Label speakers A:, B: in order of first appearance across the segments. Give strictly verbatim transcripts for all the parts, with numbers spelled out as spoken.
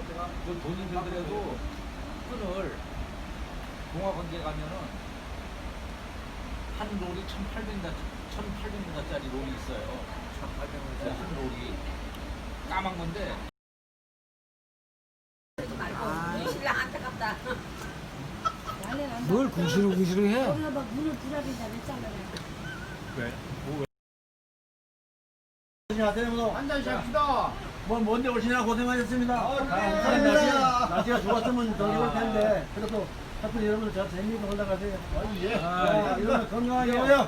A: 그 돈이 들더라도 끈을 동화관계 가면은 한 롤이 천팔백 원짜리 롤이 있어요. 천팔백 원짜리 한 롤이 까만 건데.
B: 신랑 안타깝다.
C: 뭘 궁시렁궁시렁 해?
D: 거기가 막 문을 부라린다 그랬잖아요.
A: 왜?
E: 한잔 샵시다.
F: 뭐 먼데 오시느라 고생하셨습니다.
E: 아,
F: 아,
E: 감사합니다.
F: 날씨, 날씨가 좋았으면 더 좋을 텐데 그래도 하여튼 여러분 저 재미있게 올라가세요.
E: 예.
F: 아, 여러분 건강하게 해요.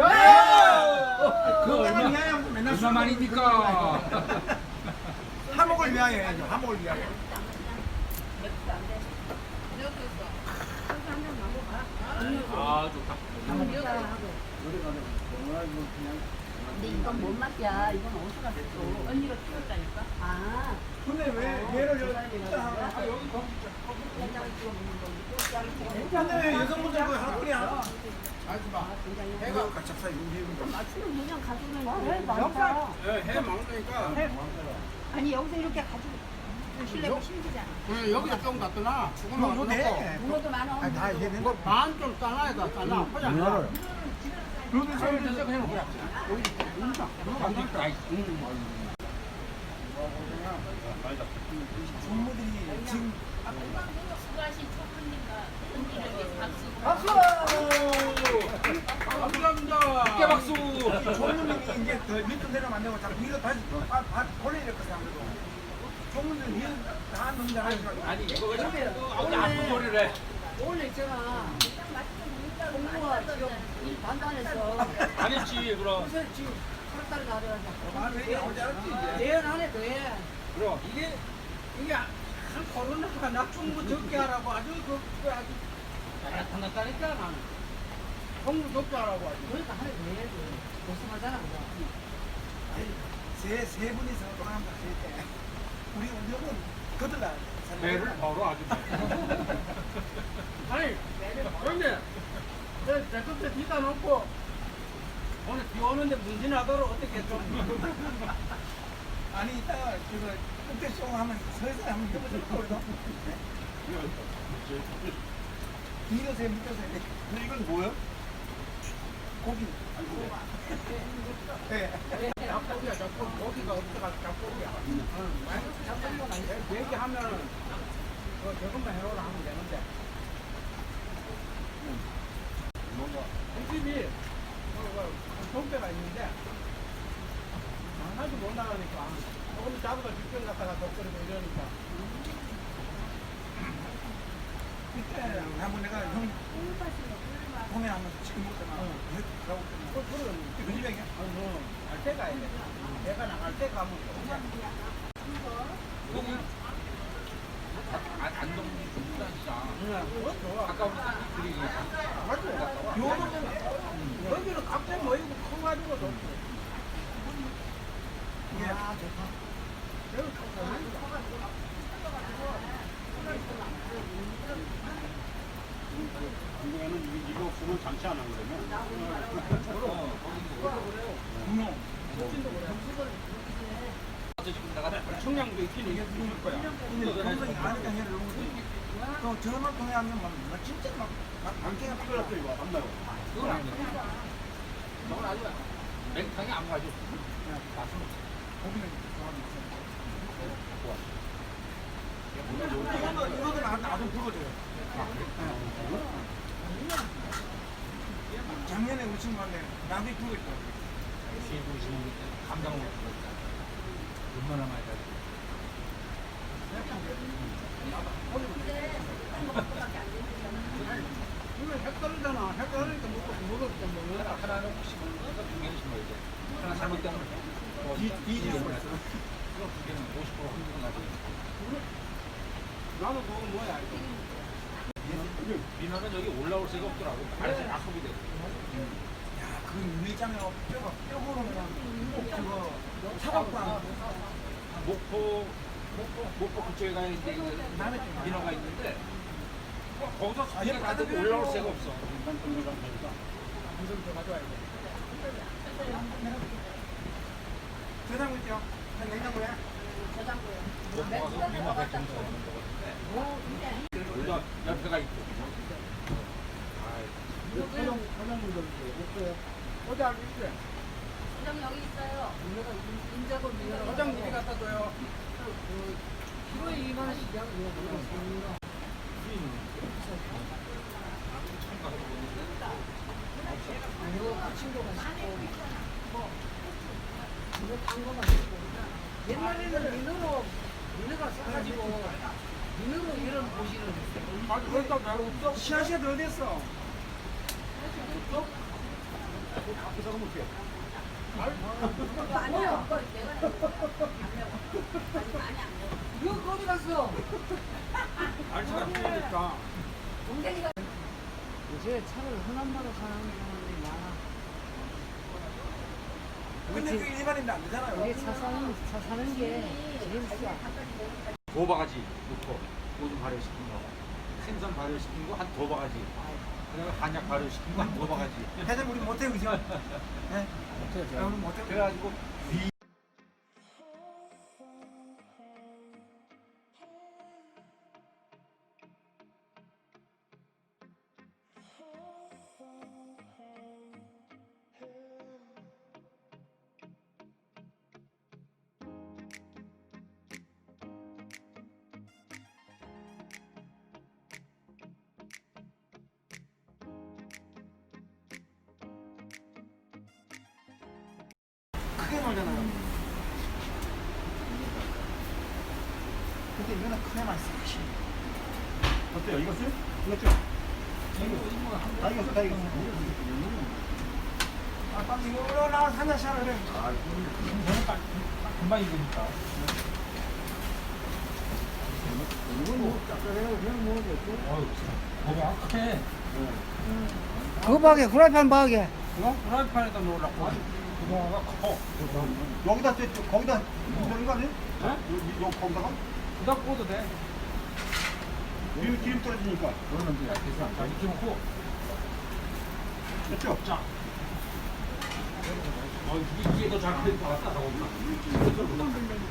E: 그 얼마
F: 위하여 맨날
A: 얼마만이니까.
F: 화목을 위하여 해야죠. 화목을 위하여.
A: 아 좋다.
B: 근데 이건 뭔 맛이야? 이건 어디서 갔어? 언니가 키웠다니까? 아.
F: 근데 왜 얘를 여기
B: 아, 여기 거기 된장을 찍어 먹는 건데.
F: 근데 왜 여성분들 그 하나뿐이 안
E: 하지 마. 해가 같이 사 용기는 거.
B: 맞추면 그냥 가져오면 돼. 많다.
E: 해 먹으니까.
B: 아니 여기서 이렇게 가지고 실내가 힘들잖아.
E: 응, 여기다 좀 갖다 죽으면
F: 뭐, 뭐 돼?
B: 문어도 많아.
F: 아니, 다 이게
E: 이거 반좀 잘라야 돼, 잘라. 포장.
F: 문어를.
E: 그러면 저기 진짜 그냥 그래. 여기 문자.
F: 종무들이 지금
E: 박수! 감사합니다.
A: 어깨 박수.
F: 종무님이 이제 더 밑으로 내려면 안 되고 자꾸 위로 다시 아, 아, 올려야 될 것같아 아무래도. 종무들 위로 다 넣는다 하니까.
A: 아니 이거 왜 자꾸 아무도 아픈 소리를 해.
B: 원래 있잖아. 공부가 지금 일 반반해서
A: 안 했지 그럼.
B: 요새 지금 팔달이 나려가지고.
F: 아, 왜 이게 나오지 않았지 이제.
B: 내연 안에 더해.
A: 그럼
E: 이게 이게 한 코로나가 나 충무 적게 하라고 아주 그, 그 아주 나타났다니까 나는 충무 적게 하라고 아주.
B: 그러니까 하나 더해야지. 고생하잖아 그거.
F: 세, 세 분이서 돌아간다 할 때. 우리 운동은 거들라.
A: 배를 바로 아주.
E: 아니 그런데 내 끝에 뒤다 놓고 오늘 비 오는데 문진하도록 어떻게 좀
F: 아니 이따가 그거 끝에 쇼 하면 서서 한번 해보자 우리도. 뒤로세 밑에세. 근데 이건 뭐예요? 고기. 네.
E: 잡고기야 잡고기 고기가 없어가 잡고기야. 잡고기가 얘기하면은 그 저것만 해오라 하면 되는데. 이 집이 돈배가 있는데 하나도 못 나가니까 조금 잡아서 직접 갔다가 덕거리고 이러니까
F: 그때 한번 내가 형 보면 한번 치킨 먹잖아. 가고
E: 그 그런
F: 그 집이야?
E: 아니 뭐갈 때가 해야 돼. 내가 나갈 때 가면
A: 여기 안동 중부단시장.
E: 그거 좋아.
A: 아까 우리 그리
E: 맞죠? 요거는 여기는 갑자기 모이고 커가지고 좋지.
F: 이게
E: 여기 커가지고.
G: 이거는 이거 없으면 장치 안 하거든요.
F: 분홍.
A: 지금 내가
E: 청량도 있긴 이게 죽을 거야.
F: 근데 동생이 아니까 해를 놓은 거지. 그 전화 통해 하면 막 막 진짜 막 방개가 막
G: 이거 이거 안 나요.
A: 그건 안 돼. 저건 아주 맹탕이 안 가져. 맛은
F: 고기는 좋아하는 이거는 이거는 나- 나도 불어줘요. 작년에 우리 친구한테 나도 불고 있더라고.
A: 감당을 못 하고 있다. 얼마나 많이 가져.
E: 이거 헷갈리잖아. 헷갈리니까 먹고 먹었던 뭐
A: 하나, 하나는 심은 거두 개는 심어야 돼. 하나 잘못되면 이, 이 지를 몰라서 그럼 두 개는 오십 퍼센트 확률은 나지.
E: 나도 그거 뭐야 이거.
A: 민어는 여기 올라올 새가 없더라고. 알아서 약속이 돼.
F: 야, 그 밀장에 뼈가 뼈고로는 그거 사각방.
A: 목포, 목포, 목포 그쪽에 가 있는데 그 민어가 있는데 거기서 소리가 나도 올라올 새가 없어.
E: 이좀 더 가져와야 돼.
F: 세상 있죠? 냉장고에.
A: 목포 가서 우리만 백종원 먹었는데 여기가 옆에가 있고.
E: 사장 사장님들 없어요. 어디 안 있어요?
B: 사장 여기 있어요. 인자고
E: 사장님이 갖다 줘요.
B: 키로에 이만 원씩이야.
E: 옛날에는 민으로 민으가 싸가지고 민으로 이런 보시는
F: 아, 그렇다 내가 없어. 시아시아도 어디 있어?
B: 아니요.
E: 이거 어디 갔어?
F: 알차가 필요니까.
B: 동생이가
C: 요새 차를 흔한마로 사는 사람들이 많아.
F: 근데 그게 일반인도 안 되잖아요.
C: 우리 차 사는, 차 사는 게 제일 싸.
A: 두 바가지 넣고 오줌 발효시킨 거, 생선 발효시킨 거 한 두 바가지, 그다음에 한약 발효시킨 거 한 두 바가지.
F: 회장 우리 못해요, 그죠? 네? 아, 우리 못해요.
A: 그래가지고 위
F: 크게 놀잖아요. 근데 이거는 크게만 써.
G: 어때요? 익었어요? 익었죠? 다 익었어, 다 익었어.
F: 아, 빨리 이거 올라와서 한잔 샤라 그래.
A: 금방 익으니까.
G: 이건 뭐, 짭짤해요. 그냥 뭐, 됐고.
A: 어휴, 고기 악해.
E: 그거 박에 후라이팬 박에.
A: 이거 프라이팬에다 놓으라고. 구멍가 커.
G: 여기다, 저, 저, 거기다, 넣는 거 아니에요? 네? 요, 요, 거기다가?
A: 부다 구워도 돼.
G: 기름, 기름 떨어지니까.
A: 그러면 돼. 그래서 자 이렇게 놓고.
G: 됐죠?
A: 자. 어, 이게, 이게 더잘 끓일 것 같다. 저거보다.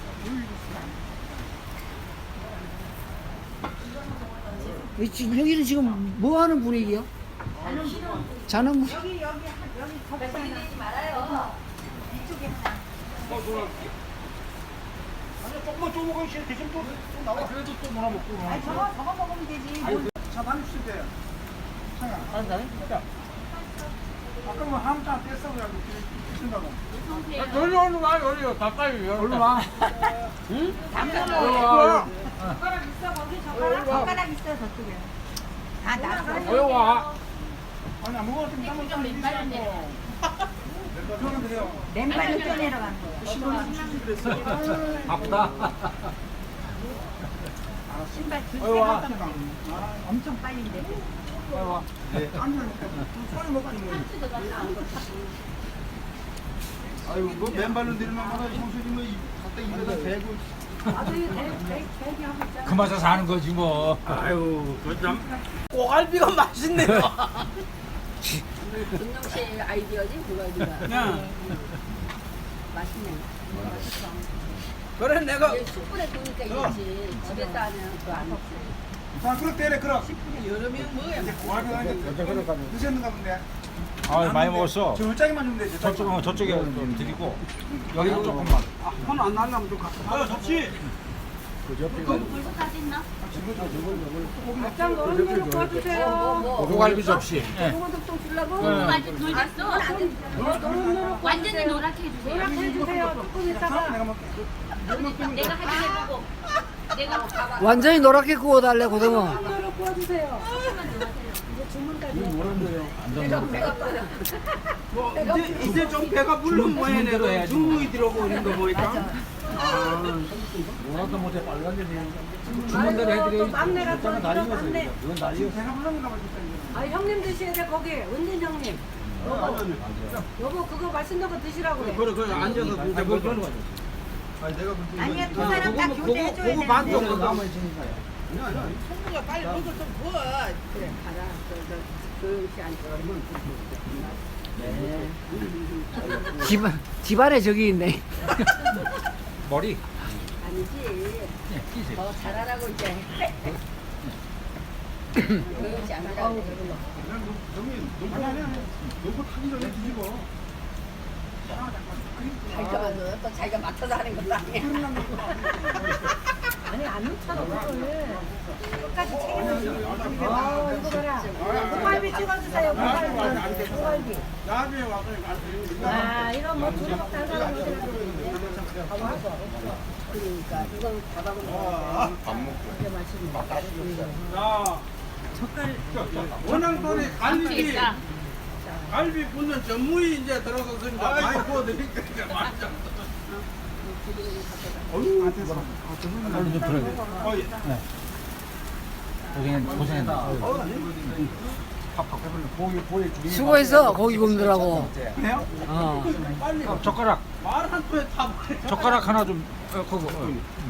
C: 이 지- 여기는 지금 뭐 하는 분위기요? 자는 분.
B: 말씀드리지 말아요. 이쪽에 하나.
A: 어, 놀아줄게.
G: 아니, 조금만 쪼먹으면 씨, 대신 또, 또 나와.
A: 그래도 또 놀아 먹고.
B: 아니 저거 저거 먹으면 되지.
F: 차 다니실 때. 차가.
A: 아니, 나는 진짜.
F: 아까 뭐 한참 뺐어 그래가지고 드신다고.
A: 여기 얼른 와, 여기 가까이. 얼른 와. 응?
B: 담배로. 젓가락 있어 거기 젓가락. 젓가락 있어 저쪽에. 다 나서.
A: 여기 와.
F: 아니 아무거나 좀 담아
B: 좀 맨발로 내려.
F: 그러면 돼요.
B: 맨발로 뛰어내려가는 거.
A: 아프다.
B: 신발
A: 어이, 와.
B: 두세 엄청 빨린데.
A: 여기 와.
F: 앉으니까 손이 먹고 뭐.
G: 아유, 뭐, 맨발로 내리면 하나, 형수님 뭐, 갖다 입에다 대고.
A: 그 맛에 사는 거지 뭐.
G: 아유, 그 참.
E: 꼬갈비가 맛있네요.
B: 김용 씨 아이디어지 그거지가.
E: 야,
B: 맛있네.
E: 그래 내가
B: 이게 숯불에 구우니까 이거지. 집에서 하면 그거 안 먹지.
F: 자, 그렇 때려 그럼.
E: 여름이면 뭐야?
F: 이제 고갈비가 이제 드셨는가 본데.
A: 아 많이 먹었어.
F: 저 얼짱이만 주면 되지.
A: 저쪽 저쪽에 좀 드리고 여기는 조금만.
E: 손안 날라면 좀 갖다.
G: 아유, 좋지.
B: 벌써 다 됐나?
D: 장 어른 대로 구워주세요.
B: 뭐, 뭐.
A: 고갈비 접시. 예.
D: 소금도 주려고.
A: 네.
B: 완전 돌겠어. 완전히 노랗게 해주세요.
D: 노랗게 해주세요. 조금
F: 자,
D: 있다가.
F: 내가 먹게.
B: 내가 하긴 해보고. 내가 봐봐.
C: 완전히 노랗게 구워달래, 고등어.
D: 소금 대로 구워주세요. 이제 주문까지.
E: 뭐 이제 이제 좀 배가 불른 모양이네. 중국이 들어오는 거 보니까.
A: 뭐라도 못해 빨간데
D: 주문대로 해드려야지. 막내가 또 이런 막내.
A: 이건 난리였어.
F: 내가 불렀는가 봐 진짜.
D: 아 형님 드셔야 돼 거기. 은진 형님. 여보. 여보 그거 맛있는 거 드시라고 그래.
E: 그래 그래 앉아서 이제 뭐 그런 거지.
G: 아니, 내가 볼 때.
B: 아니야 두 사람 다
E: 그거
B: 교대해줘야
E: 그거 반 정도
B: 되는데.
E: 남아 있으니까.
B: 성부가 빨리 먹을 좀 부어. 그래 가라. 저저 조용히 앉아.
C: 집, 집안에 저기 있네.
A: 머리.
B: 아니지.
A: 네, 끼세요.
B: 더 잘하라고 이제. 그렇지 않으라고.
G: 형님 농구 농구 타기 전에 뒤집어.
B: 자기가 맞아. 또 자기가 맡아서 하는 것도 아니야.
D: 아니 안 놓잖아 그걸. 끝까지 책임져. 아 이거 봐라. 고갈비 찍어주세요. 고갈비. 고갈비.
E: 나중에 와서 말씀.
D: 아 이거 뭐 둘이 먹는 사람
B: 그러니까 이건 밥하고 먹어야 돼.
G: 밥 먹고.
B: 이게 맛있는
E: 자, 젓갈. 원앙돈에 갈비. 갈비 굽는 전무이 이제 들어갔으니까 많이 구워드릴게요. 이제 맛있죠.
G: 어휴,
A: 얼른 좀 들어야 돼.
G: 어, 예.
A: 고생, 고생했다.
G: 고기 고기 중에
C: 수고했어 고기 굽느라고.
G: 그래요?
C: 어.
E: 빨리
A: 어, 젓가락,
E: 말 한 통에 다 버려.
A: 젓가락 하나 좀, 어, 그거. 어.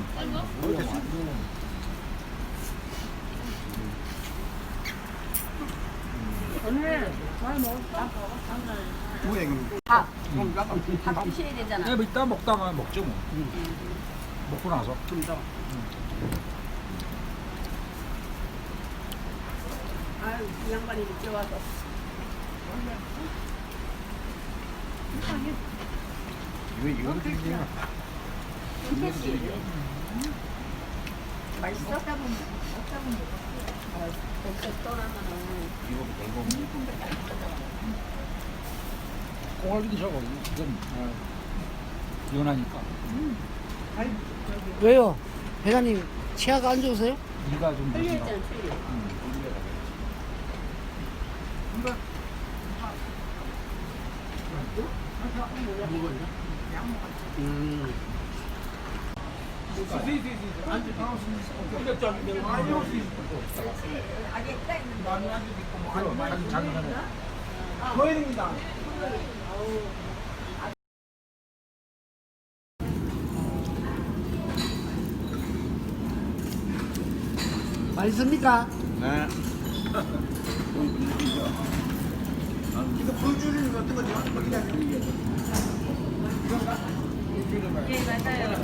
B: 오늘 잘 먹었어?
G: 뭐야 이거?
B: 밥. 밥 드셔야 되잖아.
A: 야, 뭐 이따 먹다가 먹죠, 뭐. 먹고 나서.
B: 아유 이 양반이 늦게 와서.
G: 이거 이거 드리지.
B: 김태씨. 맛있어? 먹다 보면 먹다 보면 어, 거기서 떠나면은
A: 고갈비도 저거. 이건, 어, 연하니까.
C: 왜요? 회장님 치아가 안 좋으세요?
A: 이가 좀
B: 틀려있잖아
A: 드시나.
B: 틀려. 아기 딱 있는데.
A: 자기 전에.
F: 거일입니다.
C: 맛있습니까?
G: 네.
F: 이거 보여주는 거 어떤 거죠?
H: 예, 맞아요.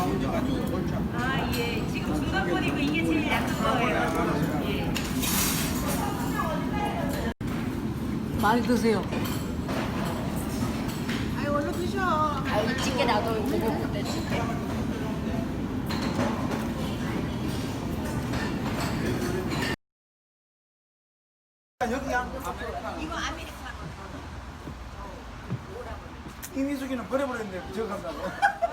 H: 아, 예. 지금 중간권이고 이게 제일 약한 거예요. 예.
C: 많이 드세요.
D: 아유 얼른 드셔.
B: 아유 찌개 나도 보고 그때 찌개.
F: 여기야.
H: 이거 아메리카노.
F: 이미숙이는 버려버렸는데 저거 간다고.